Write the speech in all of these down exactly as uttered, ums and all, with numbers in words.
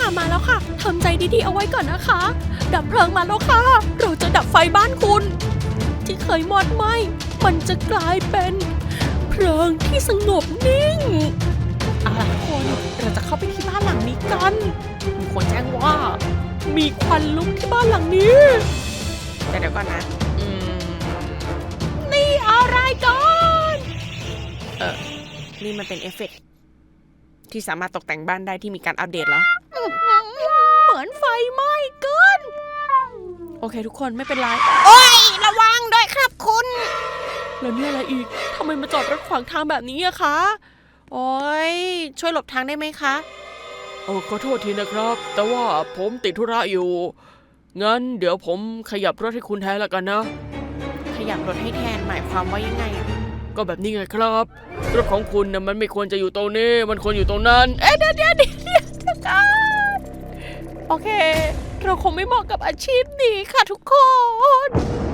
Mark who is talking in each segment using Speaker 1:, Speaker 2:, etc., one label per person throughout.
Speaker 1: ค่ะมาแล้วค่ะทำใจดีๆเอาไว้ก่อนนะคะดับเพลิงมาแล้วค่ะเราจะดับไฟบ้านคุณที่เคยมอดไหม้มันจะกลายเป็นเพลิงที่สงบนิ่งเอาล่ะทุกคนเราจะเข้าไปที่บ้านหลังนี้กันมีคนแจ้งว่ามีควันลุกที่บ้านหลังนี้แต่เดี๋ยวก่อนนะอืมนี่อะไรกันเออนี่มันเป็นเอฟเฟกต์ที่สามารถตกแต่งบ้านได้ที่มีการอัปเดตแล้วเหมือนไฟไหม้เกินโอเคทุกคนไม่เป็นไรโอ้ยระวังด้วยครับคุณแล้วนี่อะไรอีกทำไมมาจอดรถขวางทางแบบนี้อะคะโอ้ยช่วยหลบทางได้ไหมคะโอ้ขอโทษทีนะครับแต่ว่าผมติดธุระอยู่งั้นเดี๋ยวผมขยับรถให้คุณแทนละกันนะขยับรถให้แทนหมายความว่ายังไงอะก็แบบนี้ไงครับรถของคุณนะมันไม่ควรจะอยู่ตรงนี้มันควรอยู่ตรงนั้นเอ๊ะเดี๋ยวเดี๋ยวเดี๋ยวโอเคเราคงไม่เหมาะกับอาชีพนี้ค่ะทุกคน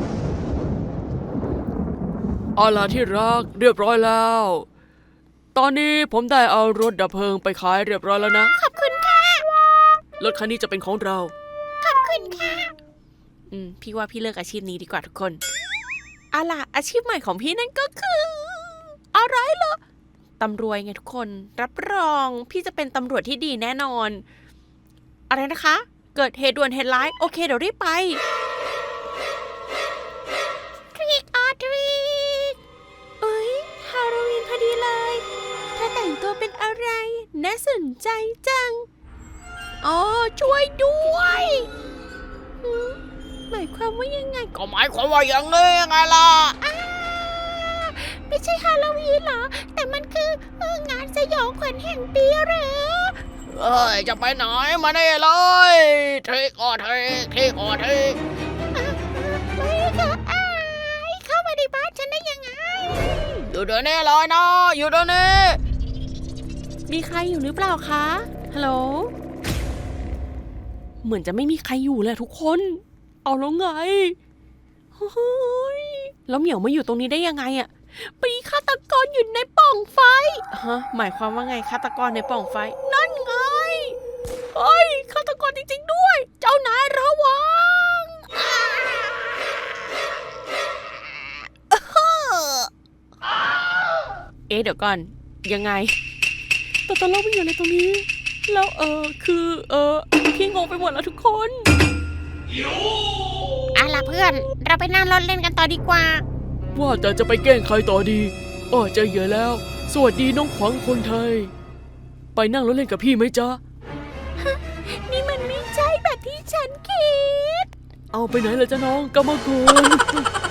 Speaker 1: เอาล่ะที่รักเรียบร้อยแล้วตอนนี้ผมได้เอารถดับเพลิงไปขายเรียบร้อยแล้วนะขอบคุณค่ะรถคันนี้จะเป็นของเราขอบคุณค่ะอืมพี่ว่าพี่เลิกอาชีพนี้ดีกว่าทุกคนเอาล่ะอาชีพใหม่ของพี่นั่นก็คืออะไรเหรอตำรวจไงทุกคนรับรองพี่จะเป็นตำรวจที่ดีแน่นอนอะไรนะคะเกิดเหตุด่วนเหตุร้ายโอเคเดี๋ยวรีบไป Trick or treat เอ้ยฮาโลวีนพอดีเลยเธอแต่งตัวเป็นอะไรน่าสนใจจังอ๋อช่วยด้วยหมายความว่ายังไงก็หมายความว่าอย่างนี้ไงล่ะไม่ใช่ฮาโลวีนเหรอแต่มันคืองานสยองขวัญแห่งปีเหรอเอ้ยจะไปไหนมาได้เลยเทคออเทคเทคออเทคไม่ค่ะอายเข้ามาในบ้านฉันได้ยังไงอยู่เดี๋ยวนี้เลยนะอยู่เดี๋ยวนี้มีใครอยู่หรือเปล่าคะฮัลโหลเหมือนจะไม่มีใครอยู่เลยทุกคนเอาแล้วไงเฮ้ยแล้วเหมียวมาอยู่ตรงนี้ได้ยังไงอะมีฆาตกรอยู่ในปล่องไฟฮะหมายความว่าไงฆาตกรในปล่องไฟนั่นไงเฮ้ยฆาตกรจริงๆด้วยเจ้านายระวังเอ๊ะเดี๋ยวก่อนยังไงตัวตลกมันอยู่ในตรงนี้แล้วเออคือเออพี่งงไปหมดแล้วทุกคนอ่ะล่ะเพื่อนเราไปนั่งรถเล่นกันต่อดีกว่าว่าแต่จะไปแกล้งใครต่อดีอ้อใจเย็นแล้วสวัสดีน้องขวัญคนไทยไปนั่งรถเล่นกับพี่ไหมจ๊ะนี่มันไม่ใช่แบบที่ฉันคิดเอาไปไหนล่ะจ๊ะน้องกรรมกร